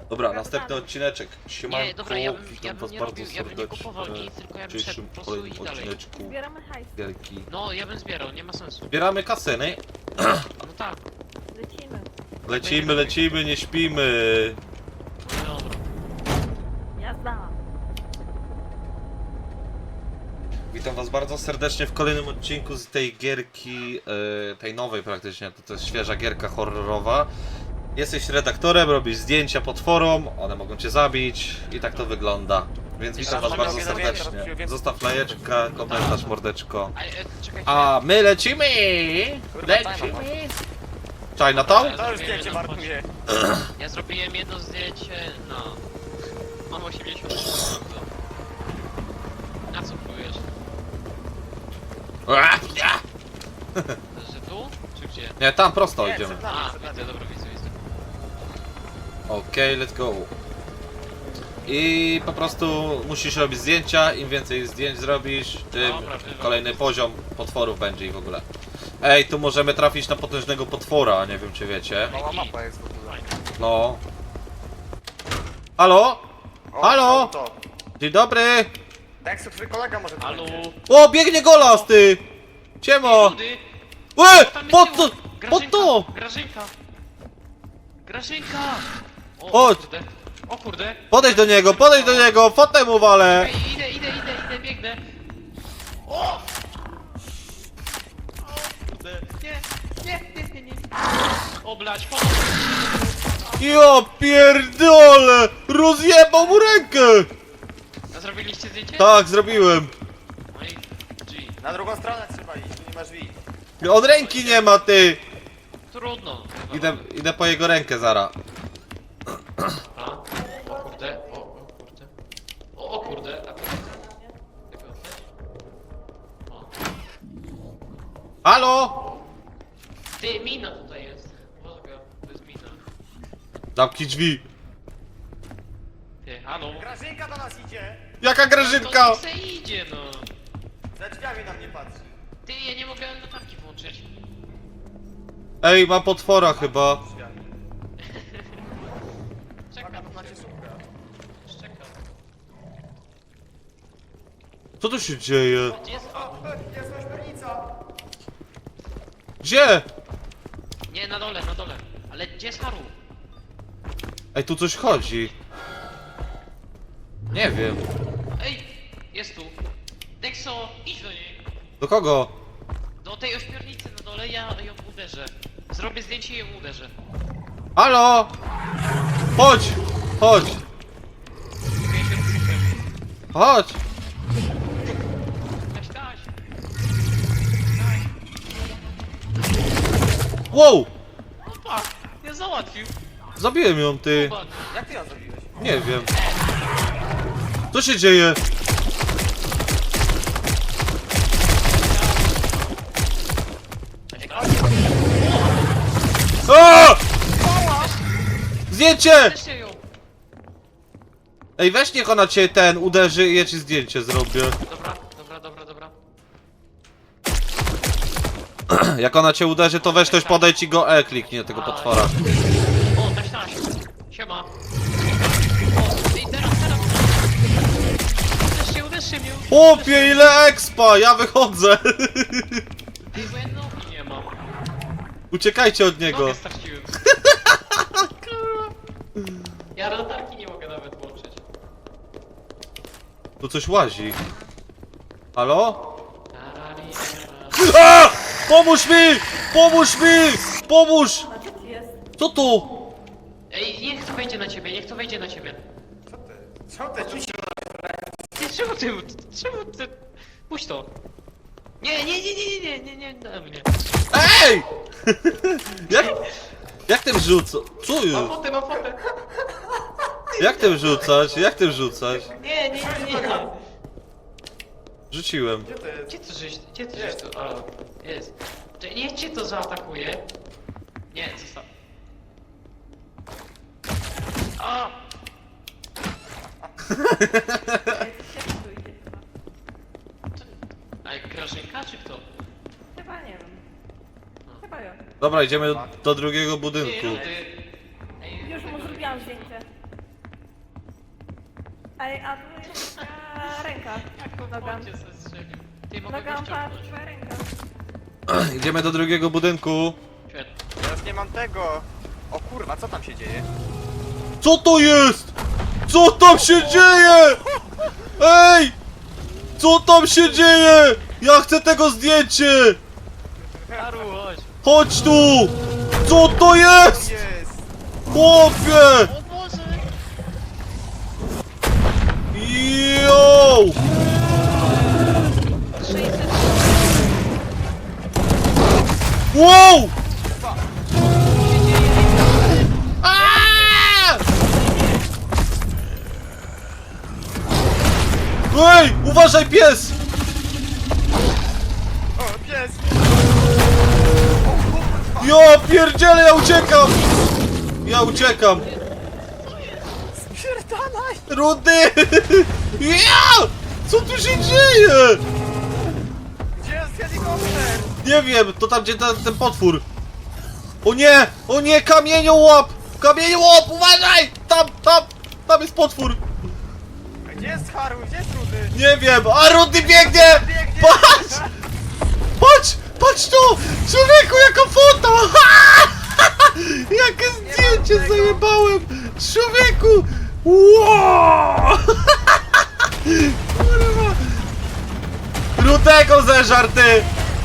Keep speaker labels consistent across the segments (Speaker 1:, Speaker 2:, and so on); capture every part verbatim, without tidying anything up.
Speaker 1: Dobra, następny odcineczek. Siemanko,
Speaker 2: Nie, dobra, ja bym,
Speaker 1: witam
Speaker 2: ja bym
Speaker 1: was
Speaker 2: nie
Speaker 1: bardzo
Speaker 2: robił, ja bym nie
Speaker 1: serdecznie
Speaker 2: kupował nic, tylko ja
Speaker 1: w
Speaker 2: bym szedł
Speaker 1: dzisiejszym
Speaker 2: po prostu
Speaker 1: kolejnym
Speaker 2: i dalej.
Speaker 1: odcineczku
Speaker 3: Zbieramy hajs.
Speaker 1: gierki.
Speaker 2: No, ja bym zbierał, nie ma sensu.
Speaker 1: Zbieramy kasę, nie?
Speaker 2: No tak,
Speaker 3: Lecimy.
Speaker 1: Lecimy, lecimy, nie śpimy.
Speaker 2: no dobra.
Speaker 3: Jazda.
Speaker 1: Witam was bardzo serdecznie w kolejnym odcinku z tej gierki, e, tej nowej praktycznie, to, to jest świeża gierka horrorowa. Jesteś redaktorem, robisz zdjęcia potworom, one mogą cię zabić i tak to wygląda. Więc witam was bardzo serdecznie. Zostaw lajeczka, komentarz, mordeczko.
Speaker 2: A, e, czekajcie.
Speaker 1: A my lecimy! Lecimy! Chinatown?
Speaker 2: To już zdjęcie markuje. Ja zrobiłem jedno zdjęcie, no. Mam osiemdziesiąt. Na co próbujesz? Że tu? Czy gdzie?
Speaker 1: Nie, tam prosto
Speaker 4: Nie,
Speaker 1: idziemy.
Speaker 4: przed nami,
Speaker 2: A,
Speaker 4: przed nami.
Speaker 2: widzę, dobra, widzę, widzę.
Speaker 1: Okej, let's go. I po prostu musisz robić zdjęcia, im więcej zdjęć zrobisz, tym
Speaker 2: Dobra, dobra.
Speaker 1: kolejny poziom potworów będzie i w ogóle. Ej, tu możemy trafić na potężnego potwora, nie wiem czy wiecie.
Speaker 4: Mała mapa jest w ogóle.
Speaker 1: No. Halo?
Speaker 4: O,
Speaker 1: Halo?
Speaker 4: To, to.
Speaker 1: Dzień dobry!
Speaker 4: Dexu, twój kolega może tu
Speaker 2: Halo?
Speaker 4: będzie.
Speaker 1: O, biegnie golas, ty! Ciemo!
Speaker 2: Rudy?
Speaker 1: Łe!
Speaker 2: Tam jest
Speaker 1: Pod to!
Speaker 2: tył.
Speaker 1: Pod to!
Speaker 2: Grażynka! Grażynka! O,
Speaker 1: Chodź.
Speaker 2: kurde. O kurde.
Speaker 1: Podejdź do niego, podejdź do niego, fotem mu walę!
Speaker 2: Ej, idę, idę, idę, idę, biegnę. O! O kurde. Nie, nie, nie, nie, nie. O blać, pomóż.
Speaker 1: Ja pierdolę! Rozjebał mu rękę!
Speaker 2: A zrobiliście zdjęcie?
Speaker 1: Tak, zrobiłem.
Speaker 2: No i G.
Speaker 4: Na drugą stronę trzeba iść, tu nie masz drzwi.
Speaker 1: Od ręki nie ma, ty!
Speaker 2: Trudno.
Speaker 1: Idę, idę po jego rękę, zara.
Speaker 2: A? O kurde, o, o kurde. O, o kurde. A to... Tego też? O.
Speaker 1: Halo?
Speaker 2: Ty, mina tutaj jest. Boga, to jest mina.
Speaker 1: Zamknij drzwi.
Speaker 2: Ty, halo?
Speaker 4: Grażynka do nas idzie!
Speaker 1: Jaka grażynka?
Speaker 2: To niech se idzie, no.
Speaker 4: Za drzwiami na mnie patrzy.
Speaker 2: Ty, ja nie mogę latarki włączyć.
Speaker 1: Ej, ma potwora chyba.
Speaker 4: Drzwiami.
Speaker 2: Czekam,
Speaker 4: Uwaga, to na cię szuka.
Speaker 2: czekam.
Speaker 1: Co tu się dzieje?
Speaker 2: Gdzie jest...
Speaker 4: O, jest ośmiornica!
Speaker 1: Gdzie?
Speaker 2: Nie, na dole, na dole. Ale gdzie jest Haru?
Speaker 1: Ej, tu coś chodzi. Nie wiem.
Speaker 2: Ej, jest tu. Dexo, idź do niej.
Speaker 1: Do kogo?
Speaker 2: Do tej ośmiornicy na dole, ja ją uderzę. Zrobię zdjęcie i ją uderzę.
Speaker 1: Halo? Chodź! Chodź!
Speaker 2: Ja się odsypię.
Speaker 1: Chodź!
Speaker 2: Taś, taś.
Speaker 1: Wow!
Speaker 2: Opa, nie załatwił.
Speaker 1: Zabiłem ją, ty.
Speaker 2: Zobacz.
Speaker 4: Jak ty ją zrobiłeś?
Speaker 1: Nie wiem. Co się dzieje?
Speaker 2: Taś, taś.
Speaker 1: A! Zdjęcie!
Speaker 2: Weźcie ją.
Speaker 1: Ej, weź niech ona cię ten uderzy i ja ci zdjęcie zrobię.
Speaker 2: Dobra, dobra, dobra, dobra.
Speaker 1: Jak ona cię uderzy, to weź ktoś podejdź i go E kliknie tego potwora.
Speaker 2: O, taś, taś. Siema. O, ej, teraz, teraz. Uderzcie, uderzcie mnie.
Speaker 1: Chłopie, ile expa! Ja wychodzę!
Speaker 2: Ej, bo ja nogi nie mam.
Speaker 1: Uciekajcie od niego.
Speaker 2: Nogę straciłem. Ja latarki nie mogę nawet włączyć.
Speaker 1: Tu coś łazi. Halo?
Speaker 2: Tarari,
Speaker 1: A! Pomóż mi! Pomóż mi! Pomóż!
Speaker 3: A co ci jest?
Speaker 1: Co tu?
Speaker 2: Ej, niech to wejdzie na ciebie, niech to wejdzie na ciebie.
Speaker 4: Co ty? Co ty? Tu się...
Speaker 2: Ty, czemu ty, czemu ty... Puść to. Nie, nie, nie, nie, nie, nie, nie, nie, na mnie.
Speaker 1: Ej! Jak, jak tym rzucać? Co
Speaker 2: Mam
Speaker 1: jest?
Speaker 2: fotę, mam fotę.
Speaker 1: Jak tym rzucać? Jak tym rzucać?
Speaker 2: Nie, nie, nie, nie.
Speaker 1: Rzuciłem.
Speaker 4: Gdzie ty?
Speaker 2: Gdzie to żeś, gdzie to żeś
Speaker 4: Jest.
Speaker 2: to, o, jest. Czy niech cię to zaatakuje. Nie, zostaw. A!
Speaker 3: Ej, coś się tu idzie chyba.
Speaker 2: A jak Grażynka, czy kto?
Speaker 3: Chyba nie wiem. Chyba ja.
Speaker 1: Dobra, idziemy do, do drugiego
Speaker 2: Ty,
Speaker 1: budynku.
Speaker 2: Rudy. Ej,
Speaker 3: Już mu
Speaker 2: tego-
Speaker 3: zrobiłam zdjęcie. Ej, a tu jest twoja ręka.
Speaker 2: Jak go w
Speaker 3: Nogam.
Speaker 2: wodzie zestrzelił. Ty, mogę go
Speaker 3: Nogam, patrz,
Speaker 2: ściągnąć.
Speaker 3: twoja ręka.
Speaker 1: Idziemy do drugiego budynku.
Speaker 2: Świetnie.
Speaker 4: Teraz nie mam tego. O kurwa, co tam się dzieje?
Speaker 1: Co to jest? Co tam się dzieje? Ej! Co tam się dzieje? Ja chcę tego zdjęcie!
Speaker 2: Haru, chodź.
Speaker 1: Chodź tu! Co to jest?
Speaker 4: Jest!
Speaker 1: Chłopie!
Speaker 2: O Boże!
Speaker 1: Yo!
Speaker 3: sześćset.
Speaker 1: Wow! Aaaa! Ej! Uważaj, pies!
Speaker 4: O, pies!
Speaker 1: Ja pierdzielę, ja uciekam! Ja uciekam!
Speaker 4: Spierdalaj!
Speaker 1: Rudy! Ja! Co tu się dzieje?
Speaker 4: Gdzie jest helikopter?
Speaker 1: Nie wiem, to tam gdzie ten, ten potwór. O nie! O nie! Kamieniołap! Kamieniołap! Uważaj! Tam, tam! Tam jest potwór!
Speaker 4: A gdzie jest Haru? Gdzie jest Rudy?
Speaker 1: Nie wiem! A Rudy biegnie!
Speaker 4: Biegnie!
Speaker 1: Patrz! Patrz! Patrz tu! Człowieku, jaka foto! Jakie zdjęcie
Speaker 4: tego.
Speaker 1: zajebałem! Człowieku! Wow! Kurwa! Rudego zeżar, ty!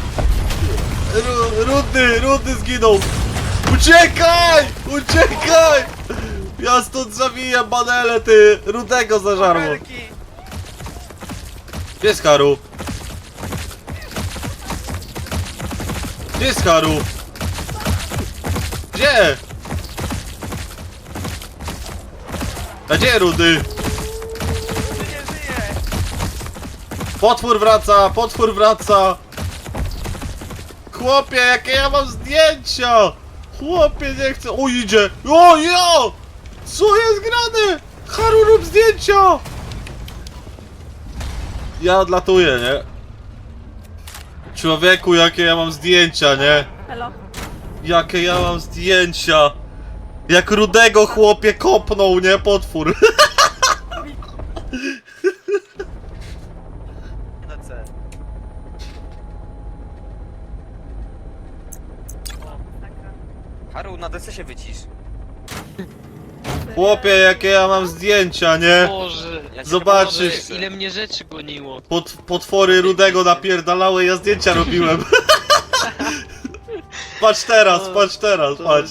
Speaker 1: Ru, Rudy, Rudy zginął! Uciekaj! Uciekaj! Ja stąd zawijam banele, ty! Rudego zeżarło!
Speaker 4: Wielki!
Speaker 1: Gdzie jest Haru? Gdzie jest Haru? Gdzie? A gdzie Rudy?
Speaker 4: Rudy nie żyje!
Speaker 1: Potwór wraca! Potwór wraca! Chłopie, jakie ja mam zdjęcia! Chłopie, nie chcę... O, idzie! O, ja! Co jest grane? Haru, rób zdjęcia! Ja odlatuję, nie? Człowieku, jakie ja mam zdjęcia, nie?
Speaker 3: Elo.
Speaker 1: Jakie ja mam zdjęcia! Jak Rudego chłopie kopnął, nie? Potwór.
Speaker 4: Na C. Haru, na D C się wycisz.
Speaker 1: Chłopie, jakie ja mam zdjęcia, nie?
Speaker 2: Boże!
Speaker 4: Ja cię
Speaker 1: Zobaczysz.
Speaker 4: chyba
Speaker 2: Boże,
Speaker 4: odejdę.
Speaker 2: ile mnie rzeczy goniło.
Speaker 1: Pot, potwory Rudego napierdalały, ja zdjęcia robiłem. Patrz teraz, patrz teraz, patrz.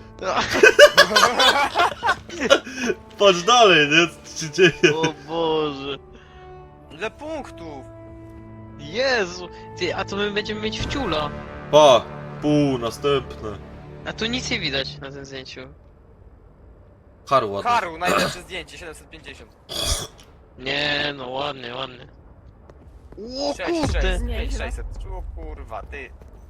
Speaker 1: Patrz dalej, nie? Co się dzieje?
Speaker 2: O Boże!
Speaker 4: Ile punktów?
Speaker 2: Jezu! Ty, a to my będziemy mieć wciula.
Speaker 1: Pa, pół, następne.
Speaker 2: A tu nic nie widać na tym zdjęciu.
Speaker 1: Haru ładny.
Speaker 4: Haru, najlepsze zdjęcie, siedemset pięćdziesiąt.
Speaker 2: Nie, no ładnie, ładnie. O
Speaker 4: sześć,
Speaker 2: kurde!
Speaker 4: sześć,
Speaker 3: Nieźle.
Speaker 4: pięć, sześćset. O kurwa, ty.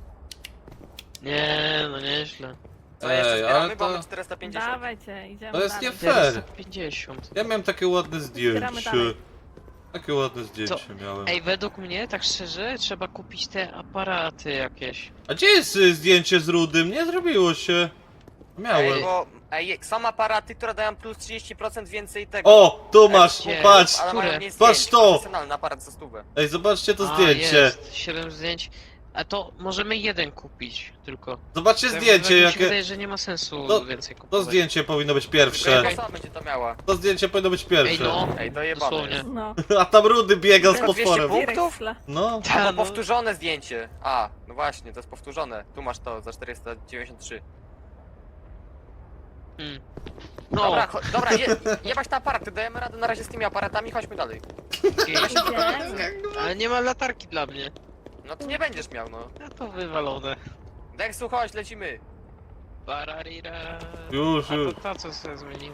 Speaker 2: Nie, no nieźle.
Speaker 4: Co jeszcze
Speaker 1: Ej,
Speaker 4: zbieramy,
Speaker 1: ale
Speaker 4: bo mamy
Speaker 1: to...
Speaker 4: czterysta pięćdziesiąt.
Speaker 3: Dawajcie, idziemy
Speaker 1: To jest
Speaker 3: dalej.
Speaker 1: nie fair.
Speaker 2: czterysta pięćdziesiąt.
Speaker 1: Ja miałem takie ładne
Speaker 3: Zbieramy
Speaker 1: zdjęcie.
Speaker 3: dalej.
Speaker 1: Takie ładne zdjęcie miałem.
Speaker 2: Ej, według mnie, tak szczerze, trzeba kupić te aparaty jakieś.
Speaker 1: A gdzie jest y, zdjęcie z Rudym? Nie zrobiło się. Miałem.
Speaker 4: Ej, bo ej, są aparaty, które dają plus trzydzieści procent więcej tego.
Speaker 1: O, tu masz,
Speaker 2: Gdzie?
Speaker 1: patrz.
Speaker 4: Ale mają
Speaker 2: które?
Speaker 4: mniej
Speaker 1: Patrz
Speaker 4: zdjęć,
Speaker 1: to.
Speaker 4: profesjonalny aparat za stówę.
Speaker 1: Ej, zobaczcie to
Speaker 2: A,
Speaker 1: zdjęcie.
Speaker 2: jest, siedem zdjęć. A to możemy jeden kupić tylko.
Speaker 1: Zobaczcie
Speaker 2: Tak,
Speaker 1: zdjęcie,
Speaker 2: tak mi się
Speaker 1: jakie...
Speaker 2: wydaje, że nie ma sensu
Speaker 1: To-
Speaker 2: więcej
Speaker 1: To
Speaker 2: kupować.
Speaker 1: zdjęcie powinno być
Speaker 4: Tylko
Speaker 1: pierwsze.
Speaker 4: jedna osoba będzie to miała.
Speaker 1: To zdjęcie powinno być
Speaker 2: Ej,
Speaker 1: pierwsze.
Speaker 2: no,
Speaker 4: Ej, dojebane
Speaker 2: dosłownie.
Speaker 4: jest.
Speaker 3: No.
Speaker 1: A tam Rudy biega z
Speaker 4: Tylko dwieście
Speaker 1: potworem.
Speaker 4: punktów?
Speaker 3: Punktów?
Speaker 1: No.
Speaker 2: Ta,
Speaker 4: To
Speaker 2: no,
Speaker 4: powtórzone zdjęcie. A, no właśnie, to jest powtórzone. Tu masz to za czterysta dziewięćdziesiąt trzy.
Speaker 2: mm. no
Speaker 4: Dobra, cho- dobra, je, jebać te aparaty, dajemy radę na razie z tymi aparatami, chodźmy dalej.
Speaker 2: okej.
Speaker 3: Idziemy.
Speaker 2: Ale nie ma latarki dla mnie.
Speaker 4: No to nie będziesz miał, no.
Speaker 2: No to wywalone.
Speaker 4: Dexu, chodź, lecimy.
Speaker 2: Bararira.
Speaker 1: Już,
Speaker 2: A
Speaker 1: już.
Speaker 2: to ta co się zmieniło.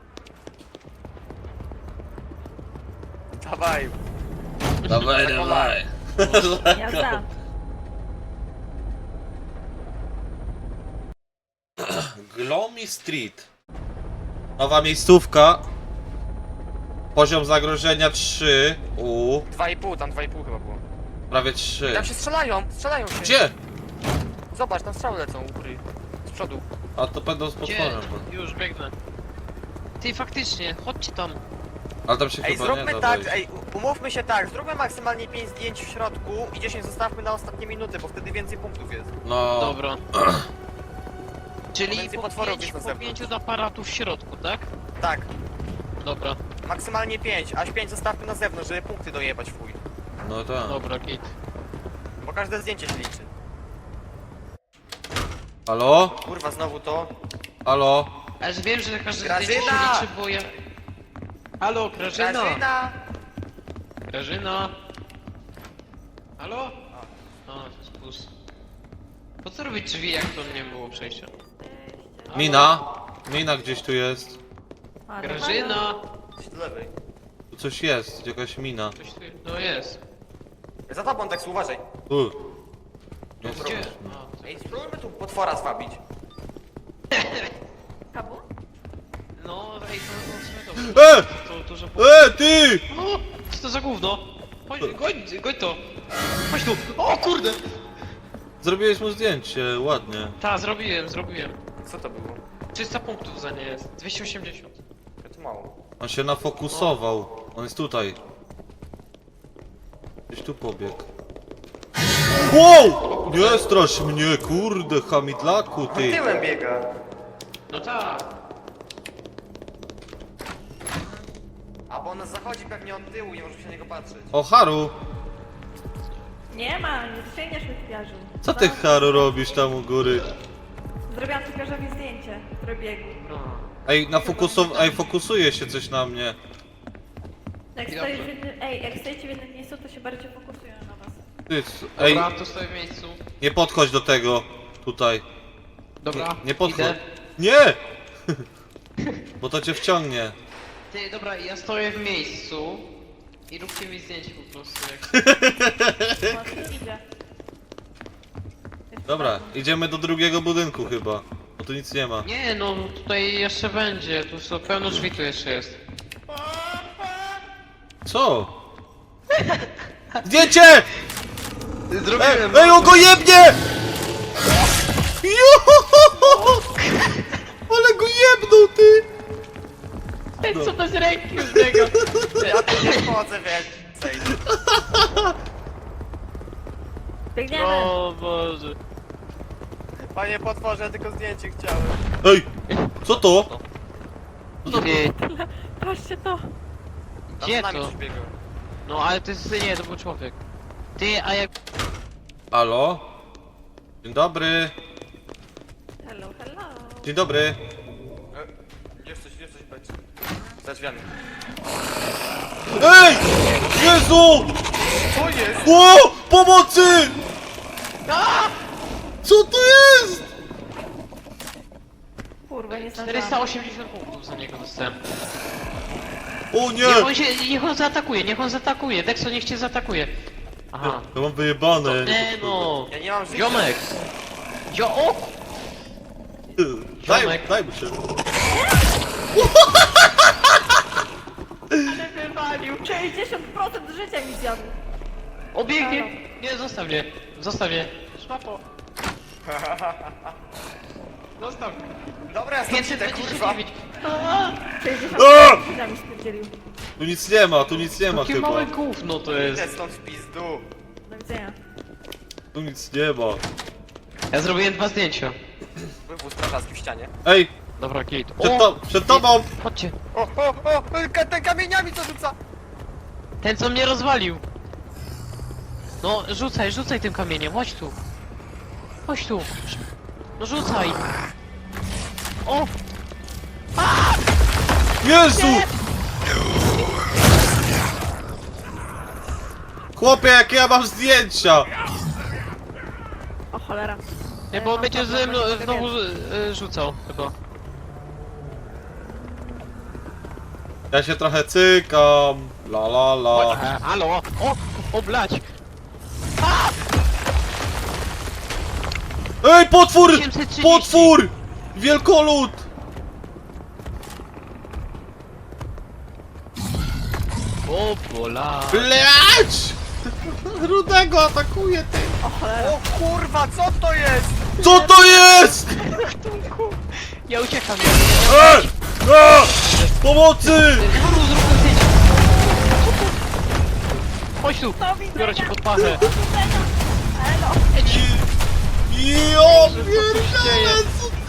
Speaker 4: Dawaj.
Speaker 1: Dawaj,
Speaker 4: dawaj.
Speaker 3: Ja za.
Speaker 1: Glomy Street. Nowa miejscówka. Poziom zagrożenia trzy. U.
Speaker 4: dwa i pół, tam dwa i pół chyba było.
Speaker 1: Prawie trzy.
Speaker 4: Tam się strzelają, strzelają się.
Speaker 1: Gdzie?
Speaker 4: Zobacz, tam strzały lecą u góry. Z przodu.
Speaker 1: A to będą z
Speaker 2: Gdzie?
Speaker 1: potworem.
Speaker 2: Już biegnę. Ty faktycznie, chodźcie tam.
Speaker 1: Ale tam się
Speaker 4: Ej,
Speaker 1: chyba nie
Speaker 4: zróbmy
Speaker 1: da
Speaker 4: tak,
Speaker 1: wejść.
Speaker 4: ej, u- umówmy się tak, zróbmy maksymalnie pięć zdjęć w środku i dziesięć zostawmy na ostatnie minuty, bo wtedy więcej punktów jest.
Speaker 1: No,
Speaker 2: Dobra. Czyli
Speaker 4: Więcej
Speaker 2: po,
Speaker 4: potworów
Speaker 2: pięć,
Speaker 4: jest na
Speaker 2: po
Speaker 4: zewnątrz.
Speaker 2: pięciu aparatów w środku, tak?
Speaker 4: Tak,
Speaker 2: Dobra,
Speaker 4: maksymalnie pięć, aż pięć zostawmy na zewnątrz, żeby punkty dojebać fuj.
Speaker 1: no tak.
Speaker 2: dobra, git.
Speaker 4: Bo każde zdjęcie się liczy.
Speaker 1: Halo?
Speaker 4: Kurwa, znowu to.
Speaker 1: Halo?
Speaker 2: Aż wiem, że każdy
Speaker 4: Grażyna!
Speaker 2: zdjęcie się liczy, bo ja... Halo, Grażyna!
Speaker 4: Grażyna!
Speaker 2: Grażyna! Halo? A, to jest plus. Po co robić drzwi, jak to nie było przejścia? Halo?
Speaker 1: Mina? Mina gdzieś tu jest.
Speaker 3: Halo,
Speaker 2: Grażyna!
Speaker 4: Gdzieś do lewej.
Speaker 1: Tu coś jest, jakaś mina.
Speaker 2: Coś tu... No jest.
Speaker 4: Za tobą, tak uważaj.
Speaker 1: Tu. Nie
Speaker 2: Gdzie?
Speaker 1: zrobisz.
Speaker 2: A,
Speaker 4: Ej, spróbujmy tu potwora zwabić.
Speaker 3: Kabu?
Speaker 2: no, ej, to było w sumie dobre.
Speaker 1: E!
Speaker 2: To dużo...
Speaker 1: E, ty!
Speaker 2: O, co to za gówno? Chodź, goń, goń to! Chodź tu! O kurde!
Speaker 1: Zrobiłeś mu zdjęcie, ładnie.
Speaker 2: Ta, zrobiłem, zrobiłem.
Speaker 4: Co to było?
Speaker 2: trzysta punktów za nie jest. dwieście osiemdziesiąt.
Speaker 4: To mało.
Speaker 1: On się nafokusował. On jest tutaj. Gdzieś tu pobiegł. Wow! Nie strasz mnie, kurde, hamidlaku, ty.
Speaker 4: Tyłem biega.
Speaker 2: No tak.
Speaker 4: A bo on zachodzi pewnie od tyłu, nie możesz się na niego patrzeć.
Speaker 1: O, Haru!
Speaker 3: Nie ma, nie dosięgniesz wypiarzu.
Speaker 1: Co ty, Haru, robisz tam u góry?
Speaker 3: Zrobiłam typiarzowi zdjęcie, które biegł.
Speaker 2: No.
Speaker 1: Ej, nafokusow... Ej, fokusuje się coś na mnie.
Speaker 3: Jak
Speaker 2: Dobrze.
Speaker 3: stoisz w jednym, ej, jak stoicie w jednym miejscu, to się bardziej fokusują na was.
Speaker 1: Ty, c- ej,
Speaker 2: Dobra, to stoję w miejscu.
Speaker 1: nie podchodź do tego. Tutaj.
Speaker 2: Dobra,
Speaker 1: Nie, nie podchodź.
Speaker 2: idę.
Speaker 1: Nie! Bo to cię wciągnie.
Speaker 2: Ty, dobra, ja stoję w miejscu. I róbcie mi zdjęcie po prostu, jak...
Speaker 3: Właśnie idzie. Jest
Speaker 1: Dobra,
Speaker 3: bardzo.
Speaker 1: idziemy do drugiego budynku chyba. Bo tu nic nie ma.
Speaker 2: Nie, no tutaj jeszcze będzie, tu są pełno drzwi tu jeszcze jest.
Speaker 1: Co? Zdjęcie! Ej,
Speaker 2: Zrobiłem!
Speaker 1: ej, on go jebnie! Juhu! Ale go jebnął, ty!
Speaker 2: Ten co bez ręki już biega!
Speaker 4: Ja tu nie wchodzę więcej.
Speaker 3: Biegniemy!
Speaker 2: O Boże.
Speaker 4: Panie potworze, ja tylko zdjęcie chciałem.
Speaker 1: Ej! Co to?
Speaker 2: Ty,
Speaker 3: Patrzcie to!
Speaker 4: Tam
Speaker 2: gdzie
Speaker 4: z nami
Speaker 2: to?
Speaker 4: coś biegał.
Speaker 2: No ale to jest, nie, to był człowiek. Ty, a jak...
Speaker 1: Halo? Dzień dobry.
Speaker 3: Hello, hello!
Speaker 1: Dzień dobry.
Speaker 4: E, Jest coś, jest coś będzie. Za drzwiami.
Speaker 1: Ej! Jezu!
Speaker 4: Co jest?
Speaker 1: O! Pomocy! Co to jest?
Speaker 3: Kurwa, nie
Speaker 2: czterysta
Speaker 3: zdążyłam.
Speaker 2: osiemdziesiąt punktów za niego dostałem.
Speaker 1: O
Speaker 2: Niech on
Speaker 1: nie!
Speaker 2: się, niech on zaatakuje, niech on zaatakuje. Dexo niech cię zaatakuje. Aha.
Speaker 1: Ja mam wyjebane.
Speaker 2: Nie no.
Speaker 4: Ja nie mam życia.
Speaker 2: Ziomek. Jo, o!
Speaker 1: Daj,
Speaker 2: Ziomek.
Speaker 1: daj mu się.
Speaker 3: Ale wywalił! sześćdziesiąt procent życia mi zjadł!
Speaker 2: Obiegnie. Nie, zostaw mnie. Zostaw mnie. Szmapo. Zostaw.
Speaker 4: Dobra, ja stąd idę, kurwa.
Speaker 2: pięćset dwadzieścia dziewięć.
Speaker 3: sześćdziesiąt
Speaker 1: A!
Speaker 3: procent życia mi spierdzielił.
Speaker 1: Tu nic nie ma, tu nic nie ma
Speaker 2: Jakie
Speaker 1: chyba.
Speaker 2: małe gówno to jest.
Speaker 4: Idę stąd w pizdu.
Speaker 3: Do widzenia.
Speaker 1: Tu nic nie ma.
Speaker 2: Ja zrobiłem dwa zdjęcia.
Speaker 4: Wywóz strażacki w ścianie.
Speaker 1: Ej!
Speaker 2: Dobra, git.
Speaker 1: Przed, to, przed tobą!
Speaker 2: Chodźcie.
Speaker 4: O, o, o, ka- ten kamieniami co rzuca.
Speaker 2: Ten co mnie rozwalił. No, rzucaj, rzucaj tym kamieniem, chodź tu. Chodź tu. No rzucaj. O!
Speaker 1: Jezu! Chłopie, jakie ja mam zdjęcia!
Speaker 3: O cholera.
Speaker 2: Nie, bo on będzie ze mną znowu y, rzucał chyba.
Speaker 1: Ja się trochę cykam. La la la.
Speaker 2: E, halo! O! O blać!
Speaker 1: Ej, potwór!
Speaker 2: osiemset trzydzieści.
Speaker 1: Potwór! Wielkolud!
Speaker 2: O bola!
Speaker 1: Blać! Rudego atakuje, ty!
Speaker 3: O cholera.
Speaker 4: O kurwa, co to jest?
Speaker 1: Co to jest?
Speaker 2: Ja uciekam,
Speaker 1: Ej! A! Pomocy!
Speaker 2: ja... Haru, zrób to zdjęcie! chodź tu!
Speaker 3: Do widzenia!
Speaker 2: Biorę cię pod pachę!
Speaker 3: Do widzenia! Elo!
Speaker 1: Jo,
Speaker 2: Co tu się dzieje?
Speaker 1: pierdolę,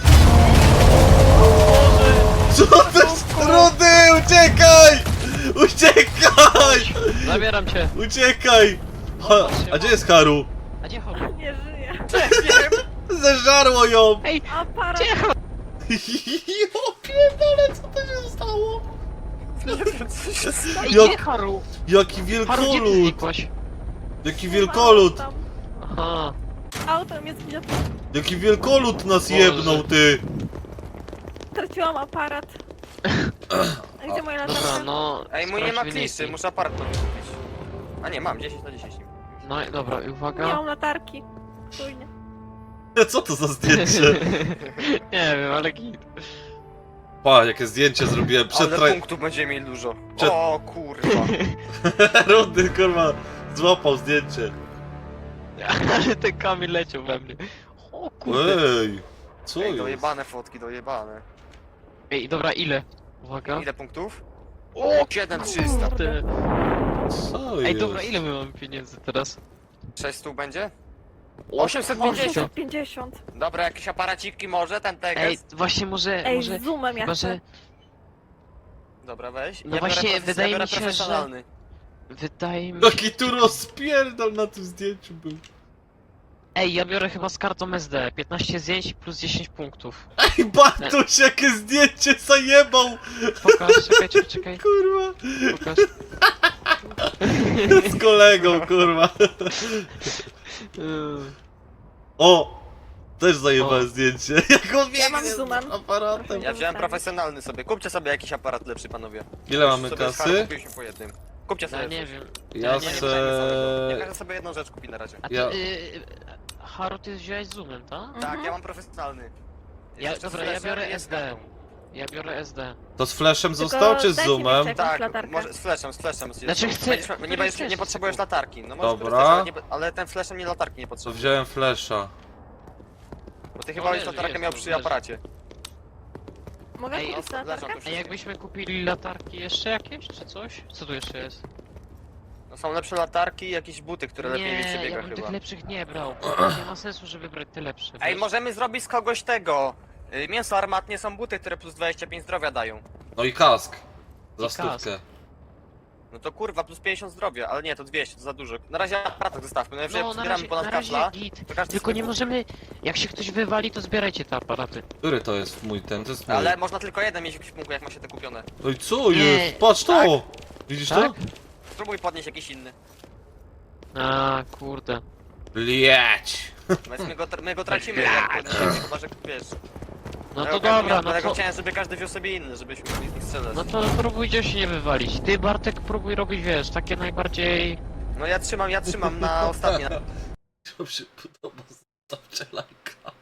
Speaker 1: co Co to jest? Rudy, uciekaj! Uciekaj!
Speaker 2: Zabieram cię!
Speaker 1: Uciekaj! Ha, a gdzie jest Haru?
Speaker 2: A gdzie chodź?
Speaker 3: Nie żyje!
Speaker 1: Zeżarło ją!
Speaker 2: Ej!
Speaker 3: Aparat!
Speaker 2: Gdzie chodź?
Speaker 1: Jo, pierdolę, co to się stało?
Speaker 4: Nie wiem, co się stało.
Speaker 2: Ej,
Speaker 1: Jak-
Speaker 2: gdzie Haru?
Speaker 1: Jaki
Speaker 2: Haru, gdzie ty
Speaker 1: wielkolud!
Speaker 2: znikłaś?
Speaker 1: Jaki wielkolud!
Speaker 3: Tam.
Speaker 2: Aha.
Speaker 3: Auto mnie zgniotło.
Speaker 1: Jaki wielkolud nas
Speaker 2: Boże.
Speaker 1: jebnął, ty!
Speaker 3: Straciłam aparat. A gdzie moja
Speaker 2: Dobra,
Speaker 3: latarka?
Speaker 2: no...
Speaker 4: Ej, mój nie ma
Speaker 2: sprawdź
Speaker 4: kliszy,
Speaker 2: wyniki.
Speaker 4: muszę aparat nowy kupić. A nie, mam, dziesięć na dziesięć.
Speaker 2: No i dobra, i
Speaker 3: Nie
Speaker 2: uwaga.
Speaker 3: mam latarki. Czujnie.
Speaker 1: Co to za zdjęcie?
Speaker 2: Nie wiem, ale git.
Speaker 1: Pa, jakie zdjęcie zrobiłem przed
Speaker 4: Ale
Speaker 1: traj...
Speaker 4: punktów będziemy mieli dużo.
Speaker 1: Przed-
Speaker 4: O kurwa.
Speaker 1: Rudy, kurwa, złapał zdjęcie.
Speaker 2: Ale ten Kamil leciał we mnie. O kurde.
Speaker 1: Ej, co
Speaker 4: Ej,
Speaker 1: jest?
Speaker 4: dojebane fotki, dojebane.
Speaker 2: Ej, dobra, ile? Uwaga.
Speaker 4: Ile punktów?
Speaker 2: O,
Speaker 4: siedem trzysta.
Speaker 2: kurde.
Speaker 1: Co
Speaker 2: Ej,
Speaker 1: jest?
Speaker 2: dobra, ile my mamy pieniędzy teraz?
Speaker 4: sześćset będzie?
Speaker 2: O,
Speaker 4: osiemset pięćdziesiąt.
Speaker 3: osiemset pięćdziesiąt.
Speaker 4: Dobra, jakieś aparaciki może, ten
Speaker 2: Ej,
Speaker 4: tekst.
Speaker 2: właśnie może,
Speaker 3: Ej,
Speaker 2: może,
Speaker 3: z zoomem ja
Speaker 2: chyba,
Speaker 3: chcę.
Speaker 2: że
Speaker 4: Dobra, weź.
Speaker 2: No właśnie,
Speaker 4: biorę,
Speaker 2: wydaje
Speaker 4: ja biorę
Speaker 2: mi się, że-
Speaker 4: profesjonalny.
Speaker 2: wydaje mi się...
Speaker 1: Jaki tu rozpierdol na tym zdjęciu był.
Speaker 2: Ej, ja biorę chyba z kartą S D, piętnaście zdjęć plus dziesięć punktów.
Speaker 1: Ej, Bartuś, jakie zdjęcie zajebał!
Speaker 2: Pokaż, czekaj, czekaj, czekaj,
Speaker 1: Kurwa.
Speaker 2: pokaż.
Speaker 1: Z kolegą, kurwa.
Speaker 2: Yy,
Speaker 1: O! Też zajebałem
Speaker 2: O.
Speaker 1: zdjęcie. Jak on
Speaker 3: Ja mam
Speaker 1: biegnie z
Speaker 3: zoomem.
Speaker 1: aparatem.
Speaker 4: Ja wziąłem profesjonalny sobie. Kupcie sobie jakiś aparat lepszy, panowie.
Speaker 1: Ile mamy
Speaker 4: Sobie z
Speaker 1: kasy?
Speaker 4: Harry kupiliśmy po jednym. Kupcie sobie.
Speaker 2: ja nie wiem.
Speaker 1: Ja
Speaker 2: nie
Speaker 4: Nie, nie,
Speaker 1: se-
Speaker 4: nie, nie, nie każdy sobie jedną rzecz kupi na razie.
Speaker 2: A ty,
Speaker 1: Ja-
Speaker 2: yy, Haru, ty wziąłeś zoomem, tak?
Speaker 3: Mhm.
Speaker 4: Tak, ja mam profesjonalny.
Speaker 2: Ja,
Speaker 4: Jeszcze z
Speaker 2: dobra, ja
Speaker 4: flashem
Speaker 2: biorę
Speaker 4: jest
Speaker 2: S D.
Speaker 4: kartą.
Speaker 2: Ja biorę S D.
Speaker 1: To z flashem
Speaker 3: Tylko
Speaker 1: został, czy z
Speaker 3: dajcie mi
Speaker 1: zoomem?
Speaker 3: jeszcze jakąś
Speaker 4: Tak,
Speaker 3: latarkę.
Speaker 4: może z flashem, z flashem.
Speaker 2: Znaczy chcę-
Speaker 4: Będziesz, nie,
Speaker 2: który
Speaker 4: będziesz,
Speaker 2: chcesz,
Speaker 4: nie potrzebujesz
Speaker 2: tylko.
Speaker 4: latarki. No możesz
Speaker 1: Dobra.
Speaker 4: korzystać, ale, nie, ale ten flashem nie latarki nie
Speaker 1: To
Speaker 4: potrzebujesz.
Speaker 1: wziąłem flasha.
Speaker 4: Bo ty
Speaker 2: No
Speaker 4: chyba już
Speaker 2: leży,
Speaker 4: latarkę
Speaker 2: jest,
Speaker 4: miał
Speaker 2: to
Speaker 4: przy
Speaker 2: leży.
Speaker 4: aparacie.
Speaker 3: Mogę
Speaker 2: Ej,
Speaker 3: kupić
Speaker 4: no,
Speaker 3: latarkę?
Speaker 4: leżą tu
Speaker 2: A jakbyśmy kupili latarki jeszcze jakieś, czy coś? Co tu jeszcze jest?
Speaker 4: No są lepsze latarki i jakieś buty, które lepiej
Speaker 2: Nie,
Speaker 4: przebiega
Speaker 2: ja bym
Speaker 4: chyba.
Speaker 2: tych lepszych nie brał. Nie ma sensu, żeby brać te lepsze.
Speaker 4: Ej,
Speaker 2: wiesz?
Speaker 4: możemy zrobić z kogoś tego. Y, Mięso armatnie są buty, które plus dwadzieścia pięć zdrowia dają.
Speaker 1: No i kask. Za
Speaker 2: I kask.
Speaker 1: stówkę.
Speaker 4: No to kurwa, plus pięćdziesiąt zdrowia, ale nie, to dwieście, to za dużo. Na razie aparat zostawmy, no jeżeli
Speaker 2: No, na
Speaker 4: zbieramy
Speaker 2: razie,
Speaker 4: ponad
Speaker 2: na razie
Speaker 4: kafla,
Speaker 2: git.
Speaker 4: to każdy
Speaker 2: Tylko
Speaker 4: sobie
Speaker 2: nie
Speaker 4: kupi.
Speaker 2: możemy... Jak się ktoś wywali, to zbierajcie te aparaty.
Speaker 1: Który to jest mój ten? To jest mój.
Speaker 4: Ale można tylko jeden mieć w ekwipunku, jak ma się te kupione.
Speaker 1: No i co
Speaker 2: Nie.
Speaker 1: jest? Patrz to! Widzisz
Speaker 2: Tak?
Speaker 1: to?
Speaker 4: Spróbuj podnieść jakiś inny.
Speaker 2: A, kurde.
Speaker 1: Blieć!
Speaker 4: No więc my go, my go tracimy, jak podniesiemy, chyba że wiesz.
Speaker 2: No
Speaker 4: Ja-
Speaker 2: to
Speaker 4: ja-
Speaker 2: dobra, no
Speaker 4: Dlatego
Speaker 2: to...
Speaker 4: chciałem, żeby każdy wziął sobie inny, żebyśmy mogli z nich strzelać.
Speaker 2: No to próbujcie się nie wywalić. Ty, Bartek, próbuj robić, wiesz, takie najbardziej...
Speaker 4: No ja trzymam, ja trzymam na ostatnie.
Speaker 1: To się podoba, zostawcie lajka.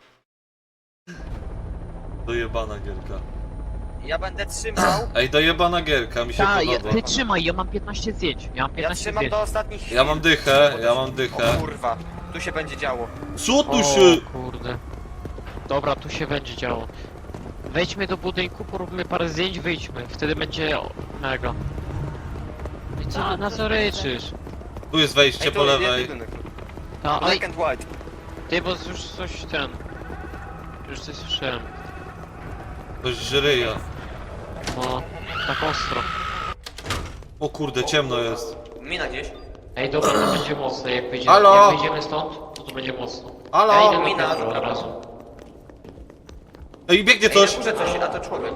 Speaker 1: Dojebana gierka.
Speaker 4: Ja będę trzymał,
Speaker 1: Ej, dojebana gierka, mi się
Speaker 2: Ta, ja,
Speaker 1: podoba.
Speaker 2: ty trzymaj, ja mam piętnaście zdjęć. Ja mam
Speaker 4: ja
Speaker 2: piętnaście
Speaker 4: trzymam
Speaker 2: zdjęć.
Speaker 4: do ostatnich chwil.
Speaker 1: Ja mam dychę, ja mam
Speaker 4: O
Speaker 1: dychę.
Speaker 4: kurwa, tu się będzie działo.
Speaker 1: Co tu
Speaker 2: O
Speaker 1: się...
Speaker 2: kurde. Dobra, tu się będzie działo. Wejdźmy do budynku, poróbmy parę zdjęć, wyjdźmy. Wtedy będzie o, mega. I co,
Speaker 3: Tak,
Speaker 2: na
Speaker 3: to
Speaker 2: co
Speaker 3: jest
Speaker 2: ryczysz?
Speaker 1: Tu jest wejście
Speaker 4: Ej,
Speaker 1: po
Speaker 4: tu
Speaker 1: lewej.
Speaker 4: jedynek.
Speaker 2: Ta,
Speaker 4: Black
Speaker 2: ale
Speaker 4: and white.
Speaker 2: ty, bo już coś ten... Już coś słyszałem.
Speaker 1: Ktoś żyryja.
Speaker 2: No, tak ostro.
Speaker 1: O kurde, ciemno jest.
Speaker 4: Mina gdzieś.
Speaker 2: Ej, dobra, to będzie mocne, jak wyjdziemy,
Speaker 1: Halo?
Speaker 2: jak wyjdziemy stąd, to to będzie mocno.
Speaker 1: Halo?
Speaker 2: Ja idę do
Speaker 4: Mina.
Speaker 2: piętra od razu.
Speaker 1: Ej, biegnie
Speaker 4: Ej,
Speaker 1: coś!
Speaker 4: na górze coś, a to człowiek.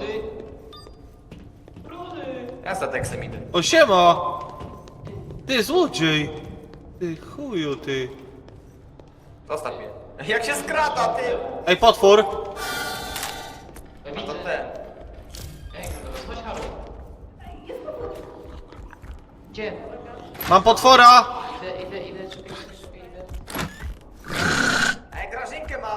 Speaker 4: Ja za tekstem idę.
Speaker 1: O, siema! Ty, złodziej! Ty, chuju, ty.
Speaker 4: Zostaw mnie. Jak się skrada, ty!
Speaker 1: Ej, potwór!
Speaker 4: A to ten.
Speaker 2: Gdzie?
Speaker 1: Mam potwora!
Speaker 2: Idę, idę, idę, czekaj, czekaj, idę.
Speaker 4: Ej, Grażynkę mam!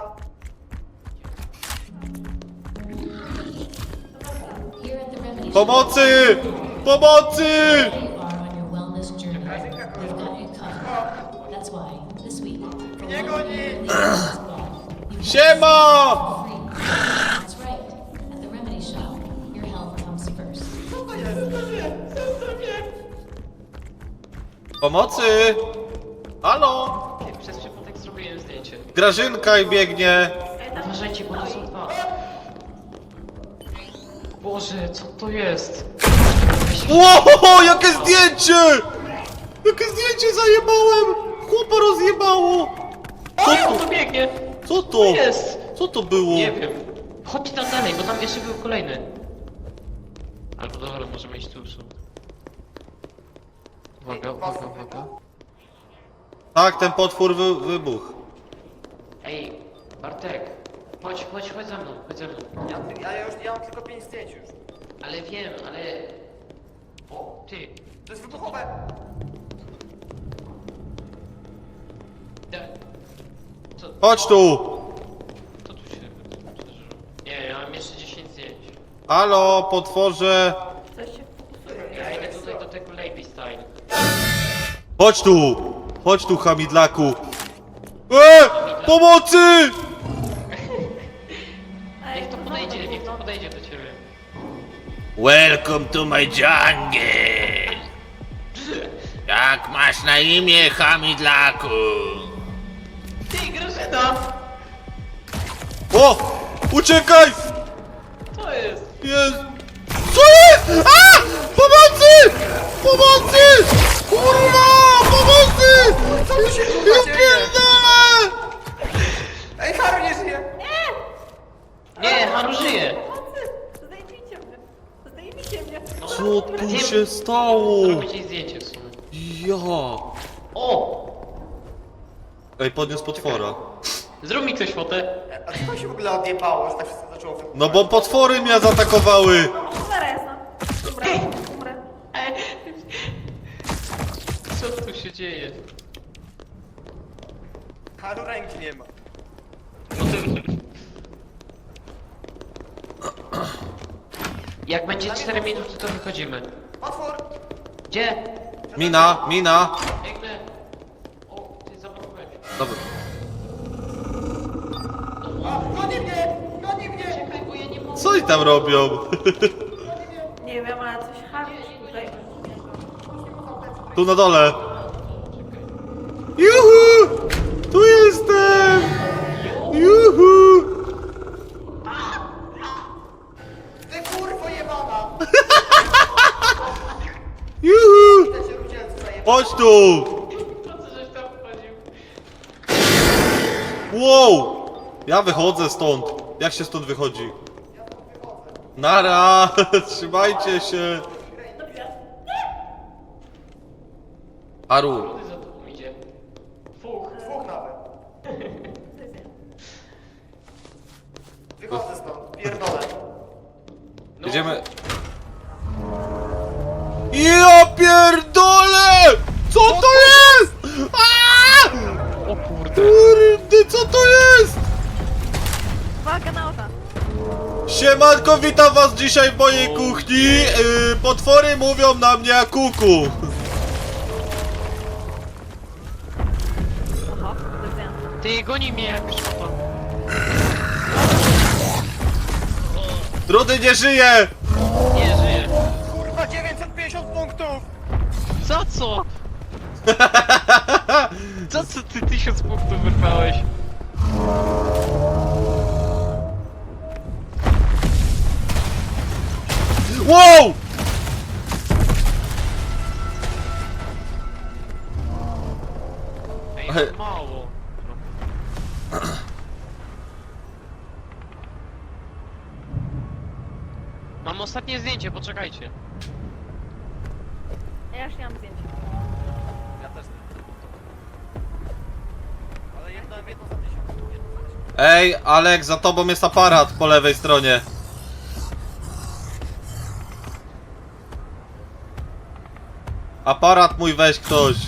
Speaker 5: Here at the Remedy Shop,
Speaker 1: Pomocy! Pomocy!
Speaker 5: you are on your wellness journey. We've got you covered. That's why this week, for
Speaker 4: Nie
Speaker 5: one
Speaker 4: goni!
Speaker 5: year in the Wellness Club, you can
Speaker 1: Siema!
Speaker 5: free. That's right. At the Remedy Shop, your health comes first.
Speaker 1: Pomocy! Halo!
Speaker 2: Ty, przez przypadek zrobiłem zdjęcie.
Speaker 1: Grażynka i biegnie!
Speaker 2: Uważajcie, bo to są dwa. Boże, co to jest?
Speaker 1: Ło, jakie zdjęcie! Jakie zdjęcie zajebałem! Chłopa rozjebało! Co
Speaker 2: O,
Speaker 1: to?
Speaker 2: to biegnie!
Speaker 1: Co to?
Speaker 2: To jest!
Speaker 1: Co to było?
Speaker 2: Nie wiem. Chodźcie tam dalej, bo tam jeszcze był kolejny. Albo dobra, możemy iść tu. tu. Uwaga, uwaga, uwaga.
Speaker 1: Tak, ten potwór wy, wybuchł.
Speaker 2: Ej, Bartek. Chodź, chodź, chodź za mną, chodź za mną.
Speaker 4: Ja, ja już ja mam tylko pięć zdjęć już.
Speaker 2: Ale wiem, ale... O, ty.
Speaker 4: To jest wybuchowe!
Speaker 2: Da... Co,
Speaker 1: Chodź tu!
Speaker 2: co tu się... Nie, ja mam jeszcze dziesięć zdjęć.
Speaker 1: Halo, potworze!
Speaker 3: Coś się fokusuje.
Speaker 2: Ja idę tutaj do tego Lady Style.
Speaker 1: Chodź tu! Chodź tu, hamidlaku! E! Pomocy!
Speaker 2: Niech to podejdzie, niech to podejdzie do ciebie.
Speaker 1: Welcome to my jungle! Jak masz na imię, hamidlaku?
Speaker 2: Ty, Grażyna!
Speaker 1: O! Uciekaj!
Speaker 2: Co jest?
Speaker 1: Jest! Co jest? A! Pomocy! Pomocy! Kurwa! Pomocy!
Speaker 4: Co tu się
Speaker 1: Ja
Speaker 4: kurwa dzieje?
Speaker 1: pierdolę!
Speaker 4: Ej, Haru nie żyje!
Speaker 2: Nie, Haru żyje!
Speaker 3: Pomocy! Zdejmijcie mnie! Zdejmijcie mnie!
Speaker 1: Co tu się stało?
Speaker 2: Zrobię ci zdjęcie w sumie.
Speaker 1: Ja!
Speaker 2: O!
Speaker 1: Ej, podniósł potwora.
Speaker 2: Zrób mi ktoś fotę.
Speaker 4: A co to się w ogóle odjebało, że tak wszystko zaczęło wybuchać?
Speaker 1: No bo potwory mnie zaatakowały!
Speaker 3: Cholera jasna! Dobra, umrę.
Speaker 2: Ej. Co tu się dzieje?
Speaker 4: Haru ręki nie ma.
Speaker 2: Jak będzie cztery minuty, to wychodzimy.
Speaker 4: Potwór!
Speaker 2: Gdzie?
Speaker 1: Mina, mina!
Speaker 2: Biegnę. O, ty zablokowałeś.
Speaker 1: Dobra.
Speaker 4: A, goni mnie! Goni mnie!
Speaker 2: Czekaj, bo ja nie mogę.
Speaker 1: Co oni tam robią?
Speaker 3: Nie wiem, ale coś harczy tutaj.
Speaker 1: Tu na dole. Juhu! Tu jestem! Juhu!
Speaker 4: Ty kurwo jebana!
Speaker 1: Juhu!
Speaker 4: Te się rudzielcy zajebane.
Speaker 1: Chodź tu!
Speaker 2: Po co żeś tam wchodził?
Speaker 1: Wow! Ja wychodzę stąd. Jak się stąd wychodzi? Nara! Trzymajcie się! Aru,
Speaker 2: Rudy za tobą idzie. Dwóch.
Speaker 4: Dwóch nawet. Wychodzę stąd, pierdolę.
Speaker 2: No,
Speaker 1: jedziemy. Ja pierdolę! Co to jest? Aaa!
Speaker 2: O kurde.
Speaker 1: Kurde, co to jest?
Speaker 3: Uwaga na oka!
Speaker 1: Siemanko, witam was dzisiaj w mojej kuchni. Yy, potwory mówią na mnie kuku.
Speaker 3: Aha, to jest ja.
Speaker 2: Ty, goni mnie jak szkoda.
Speaker 1: Trudy nie żyje!
Speaker 2: Nie żyje.
Speaker 4: Kurwa, dziewięćset pięćdziesiąt punktów!
Speaker 2: Za co? Za co ty tysiąc punktów wyrwałeś?
Speaker 1: Wow!
Speaker 2: Ej,
Speaker 1: Ej.
Speaker 2: to mało. Mam ostatnie zdjęcie, poczekajcie.
Speaker 3: Ja już nie mam zdjęcia.
Speaker 4: Ja też nie. Ale jedno, jedno za tysiąc. Jedno za tysiąc.
Speaker 1: Ej, Alek, za tobą jest aparat po lewej stronie. Aparat mój weź ktoś.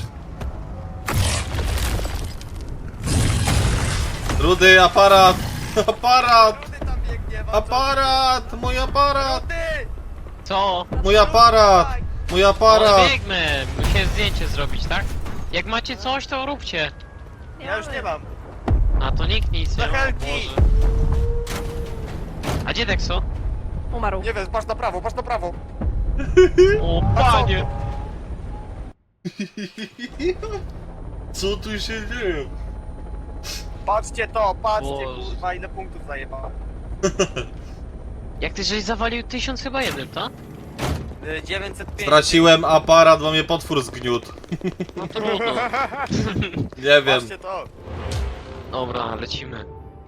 Speaker 1: Rudy, aparat! Aparat!
Speaker 4: Rudy tam biegnie, bardzo.
Speaker 1: Aparat! Mój aparat!
Speaker 4: Rudy!
Speaker 2: Co?
Speaker 1: Mój aparat! Mój
Speaker 2: No,
Speaker 1: aparat!
Speaker 2: biegnę! Musiałem zdjęcie zrobić, tak? Jak macie coś, to róbcie.
Speaker 4: Ja już nie mam.
Speaker 2: A to nikt nic nie
Speaker 4: Za
Speaker 2: ma,
Speaker 4: helki.
Speaker 2: Boże. A gdzie Dexo?
Speaker 3: Umarł.
Speaker 4: Nie wiem, patrz na prawo, patrz na prawo.
Speaker 2: O
Speaker 4: A co?
Speaker 2: panie!
Speaker 1: Co tu się dzieje?
Speaker 4: Patrzcie to, patrzcie,
Speaker 2: Boże.
Speaker 4: kurwa, ile punktów zajebałem.
Speaker 2: Jak ty żeś zawalił tysiąc chyba jednym, tak?
Speaker 4: Y, dziewięćset pięć.
Speaker 1: Straciłem aparat, bo mnie potwór zgniótł.
Speaker 2: No trudno.
Speaker 1: Nie wiem.
Speaker 4: Patrzcie to.
Speaker 2: Dobra, lecimy.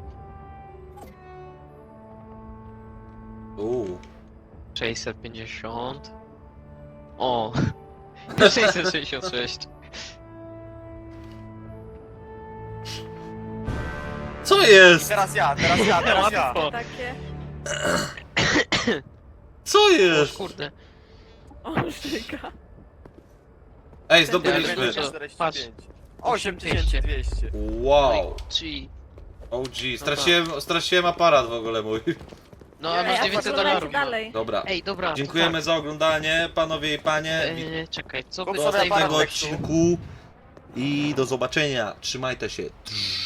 Speaker 1: Uuu.
Speaker 2: sześćset pięćdziesiąt. O! sześćset sześćdziesiąt sześć.
Speaker 1: Co jest?
Speaker 4: Teraz ja, teraz ja, teraz ja.
Speaker 2: Łatwo.
Speaker 3: Takie.
Speaker 1: Co
Speaker 2: O
Speaker 1: jest?
Speaker 2: kurde.
Speaker 3: O, żyga.
Speaker 1: Ej,
Speaker 2: Ja
Speaker 1: zdobyliśmy.
Speaker 2: wiem, że- Patrz.
Speaker 4: osiem tysięcy dwieście.
Speaker 1: Wow.
Speaker 2: G.
Speaker 1: O G, straciłem, straciłem aparat w ogóle mój.
Speaker 2: No a
Speaker 4: Nie,
Speaker 2: masz
Speaker 4: ja
Speaker 2: dziewięćset
Speaker 3: Oglądajcie
Speaker 2: dolarów.
Speaker 3: dalej.
Speaker 1: Dobra.
Speaker 2: Ej, dobra. to
Speaker 1: Dziękujemy
Speaker 2: tak.
Speaker 1: za oglądanie, panowie i panie.
Speaker 2: Eee, czekaj, co by
Speaker 4: Kup
Speaker 1: Do
Speaker 4: sobie
Speaker 2: tutaj
Speaker 1: następnego
Speaker 4: aparat.
Speaker 1: odcinku. I do zobaczenia. Trzymajcie się.